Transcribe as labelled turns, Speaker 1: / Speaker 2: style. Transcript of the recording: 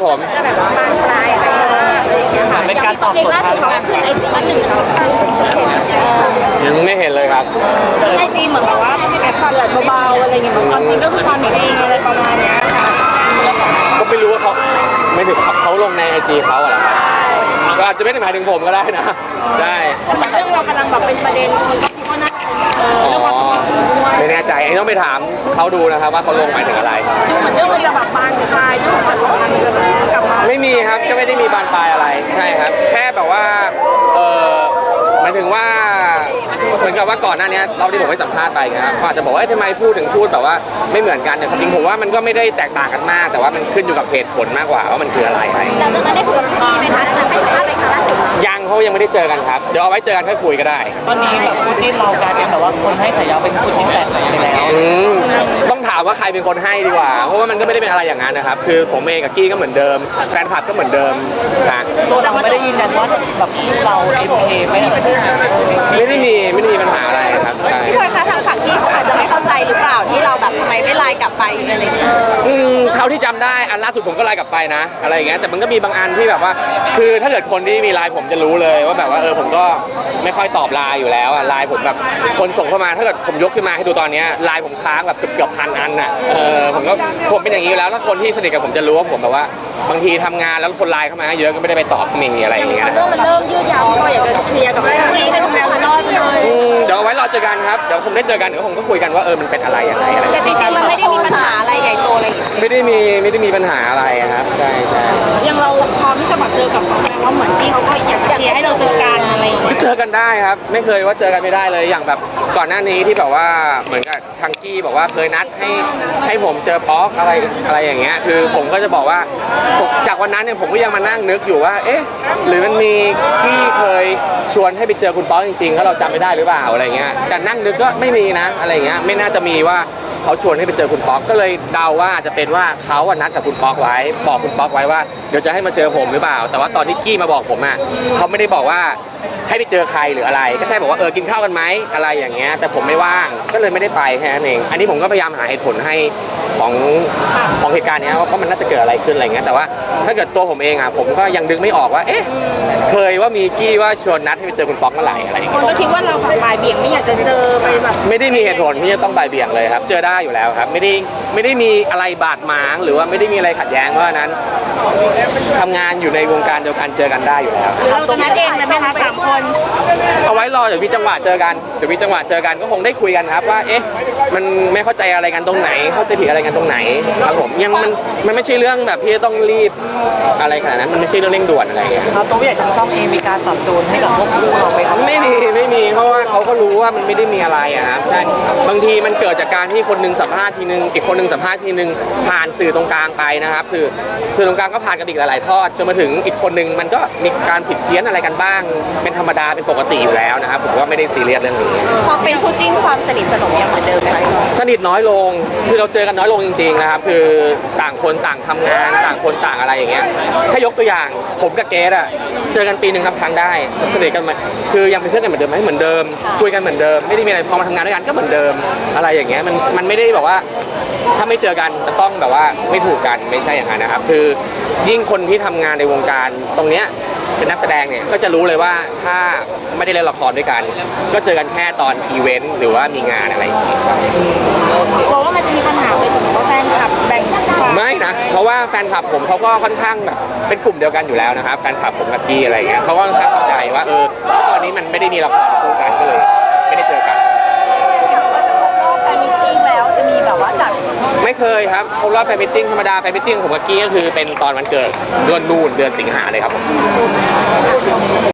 Speaker 1: ผม
Speaker 2: จะแบบบานปลายไปอะไรอย่างเงี้ยค่ะ
Speaker 3: เป็นการตอบสนทนา
Speaker 2: ขึ้นไอจีหนึ่ง
Speaker 1: ยังไม่เห็นเลยครับ
Speaker 4: ไอจีเหมือนแบบว่าแอบเปิดเบาๆอะไรเงี้ยความจริงก็คือความจริงอะไรประมาณเนี้ยค่ะ
Speaker 1: ก็ไม่รู้ว่าเขาไม่ถึงเขาลงในไอจีเขาอะไรครับก็อาจจะไม่ได้หมายถึงผมก็ได้นะใช่
Speaker 4: เรื่องเรากำลังแบบเป็นประเด็นคนก็คิดว่าน่าจะเรื่องความสัมพันธ์ด้วย
Speaker 1: ไม่แน่ใจต้องไปถามเขาดูนะครับว่าเขาลงหมายถึงอะไร
Speaker 4: ดูเหมือนเรื่องมันจะแบบบานปลายเรื่องความสัมพันธ์จะแบบกลับมา
Speaker 1: ไม่มีครับก็ไม่ได้มีบานปลายอะไรใช่ครับแค่แบบว่าหมายถึงว่าเหมือนกับว่าก่อนหน้านี้เราที่ผมไปสัมภาษณ์ไปนะครับเขาอาจจะบอกว่าทำไมพูดแบบว่าไม่เหมือนกันเนี่ยจริงผมว่ามันก็ไม่ได้แตกต่างกันมากแต่ว่ามันขึ้นอยู่กับเหตุผลมากกว่าว่ามันคืออะไร
Speaker 2: เราจะมาได้คุยกับพี่ไหมคะจะไปสัมภาษณ์ไปครั้งล่าสุด
Speaker 1: ยังเขายังไม่ได้เจอกันครับเดี๋ยวเอาไว้เจอกันค่อยคุยก็ได้
Speaker 3: ตอนนี้แบบคู่จิ้นเรากลายเป็นแบบว่าคนให้ฉายาเป็นคู่จิ้นแตกไปแล้ว
Speaker 1: ต้องถามว่าใครเป็นคนให้ดีกว่าเพราะว่ามันก็ไม่ได้เป็นอะไรอย่างนั้นนะครับคือผมเองกับกี้ก็เหมือนเดิมแฟนคลับก็เหมือนเดิมนะ
Speaker 3: ตัวเราไม่ได้ยืนยันว่าแบบคู่เราMKไม่
Speaker 1: ได้มีปัญหาอะไรครับ
Speaker 2: พี่พลอยคะทางฝั่งที่เขาอาจจะไม่เข้าใจหรือเปล่าที่เราแบบทำไมไม่ไลน์กลับไปอะไรอย่างเงี้ย
Speaker 1: เท่าที่จำได้อันล่าสุดผมก็ไลน์กลับไปนะอะไรอย่างเงี้ยแต่มันก็มีบางอันที่แบบว่าคือถ้าเกิดคนที่มีไลน์ผมจะรู้เลยว่าแบบว่าผมก็ไม่ค่อยตอบไลน์อยู่แล้วไลน์ผมแบบคนส่งเข้ามาถ้าเกิดผมยกขึ้นมาให้ดูตอนนี้ไลน์ผมค้างแบบเกือบพันอันน่ะผมเป็นอย่างนี้อยู่แล้วถ้าคนที่สนิทกับผมจะรู้ว่าผมแบบว่าบางทีทำงานแล้วคนไลน์เข้ามาเยอะก็ไม่ได้ไปตอบมีอะไรอย่างเงี้ย
Speaker 4: เรื่องมันเริ่มยืดยาวก็อยากจะเคลียร์กับเรื่องนี้ให้มันแบบน้อยไปเลย
Speaker 1: เดี๋ยวเอาไว้รอเจอกันครับเดี๋ยวผมได้เจอกันเดี๋ยวผมก็คุยกันว่ามันเป็นอะไรยังไงอะไร
Speaker 2: แต่จริงๆมันไม่ได้มีปัญหาอะไรใหญ่โตอะไร
Speaker 1: ไม่ได้มีปัญหาอะไรครับใช่
Speaker 4: ยังเราพร้อมที่จะแบบเจอกับเขาไหมว่าเหมือนที่เขาก็อยากเคลียร์ให้เราเจอกันอะไรอย่างเงี้ย
Speaker 1: เจอกันได้ครับไม่เคยว่าเจอกันไม่ได้เลยอย่างแบบก่อนหน้านี้ที่แบบว่าเหมือนกับทังกี้บอกว่าเคยนัดให้ผมเจอป๊อกอะไรอย่างเงี้ยคือผมก็จะบอกว่าจากวันนั้นเนี่ยผมก็ยังมานั่งนึกอยู่ว่าหรือมันมีที่เคยชวนให้ไปเจอคุณป๊อกจริงๆแล้วเราจำไม่ได้หรือเปล่าอะไรเงี้ยแต่นั่งนึกก็ไม่มีนะอะไรเงี้ยไม่น่าจะมีว่าเขาชวนให้ไปเจอคุณป๊อกก็เลยเดาว่าจะเป็นว่าเขานัดกับคุณป๊อกไว้บอกคุณป๊อกไว้ว่าเดี๋ยวจะให้มาเจอผมหรือเปล่าแต่ว่าตอนที่กี้มาบอกผมเขาไม่ได้บอกว่าให้ไปเจอใครหรืออะไรก็แค่บอกว่ากินข้าวกันไหมอะไรอย่างเงี้ยแต่ผมไม่ว่างก็เลยไม่ได้ไปแค่นั้นเองอันนี้ผมก็พยายามหาเหตุผลให้ของเหตุการณ์นี้ว่ามันน่าจะเกิดอะไรขึ้นอะไรเงี้ยแต่ว่าถ้าเกิดตัวผมเองผมก็ยังดึงไม่ออกว่าเคยว่ามีกี้ว่าชวนนัดให้ไปเจอคุณป๊อกเมื่อไหร่อะไรอย่างเงี้ย
Speaker 4: คนก็คิดว่าเราแบบบ่ายเบี่ยงไม่อยากจะเจอไปแบบ
Speaker 1: ไม่ได้มีเหตุผลที่จะต้องบ่ายเบี่ยงเลยครับเจอได้อยู่แล้วครับไม่ได้มีอะไรบาดหมางหรือว่าไม่ได้มีอะไรขัดแย้งเพราะฉะนั้นทำงานอยู่ในวงการเดียวกันเจอกันได้อยู่แล้ว
Speaker 4: เราจะนัดเองเลยไหมคะ3 คน
Speaker 1: เอาไว้รอเดี๋ยวมีจังหวะเจอกันก็คงได้คุยกันครับว่ามันไม่เข้าใจอะไรกันตรงไหนเข้าใจผิดอะไรกันตรงไหนครับผมยังมันไม่ใช่เรื่องแบบที่ต้องรีบอะไรขนาดนั้นมันไม่ใช่เรื่องเร่งด่วนอะไรอย่างเงี้ย
Speaker 3: ครับตัวผู้ใหญ่ทางช่องเองมีการปรับจูนให้กับพวกคู่เราไหมครับ
Speaker 1: ไม่มีเพราะว่าเขาก็รู้ว่ามันไม่ได้มีอะไรครับใช่บางทีมันเกิดจากการที่คนนึงสัมภาษณ์ทีนึงอีกคนนึงสัมภาษณ์ทีนึงผ่านสื่อตรงกลางไปนะครับสื่อตรงกลางก็ผ่านกันอีกหลายๆทอดจนมาถึงอีกคนนึงมันก็มีการผิดเพี้ยนอะไรกันบ้างเป็นธรรมดาเป็นปกติอยู่แล้วนะครับผมว่าไม่ได้ซีเรียสเรื่องนี้
Speaker 2: พอเป็นคู่จิ้นความสนิทสนมยังเหมือนเดิมไหม
Speaker 1: สนิทน้อยลงคือเราเจอกันน้อยลงจริงๆนะครับคือต่างคนต่างทำงานต่างคนต่างอะไรอย่างเงี้ยถ้ายกตัวอย่างผมกับเกสเจอกันปีนึงครับครั้งได้สนิทกันมาคือยังเป็นเพื่อนกันเหมือนเดิมไหมเหมือนเดิมคุยกันเหมือนเดิมไม่ได้มีอะไรพอมาทำงานด้วยกันก็เหมือนเดิมอะไรอย่างเงี้ยมันไม่ได้แบบว่าถ้าไม่เจอกันจะต้องแบบว่าไม่ถูกกันไม่ใช่อย่างนั้นนะครับคือยิ่งคนที่ทำงานในวงการตรงเนี้ยเป็นนักแสดงเนี่ยก็จะรู้เลยว่าถ้าไม่ได้เล่นละครด้วยกันก็เจอกันแค่ตอนอีเวนต์หรือว่ามีงานอะไรอย่างเงี้ย
Speaker 4: กลัวว่ามันจะมีปัญหาไปถึงว่าแฟนคลับแบ่ง
Speaker 1: ไม่นะเพราะว่าแฟนคลับผมเขาก็ค่อนข้างแบบเป็นกลุ่มเดียวกันอยู่แล้วนะครับแฟนคลับผมกับกี้อะไรเงี้ยเขาก็ค่อนข้างเข้าใจว่าตอนนี้มันไม่ได้มีละครคู่กันก็เลยไม่ได้เจอกัน
Speaker 2: แฟนมิทติ้งแล้วจะมีแบบว่าจัด
Speaker 1: ไม่เคยครับครบรอบแฟนมิทติ้งธรรมดาแฟนมิทติ้งผมกับกี้ก็คือเป็นตอนวันเกิดเดือนสิงหาเลยครับ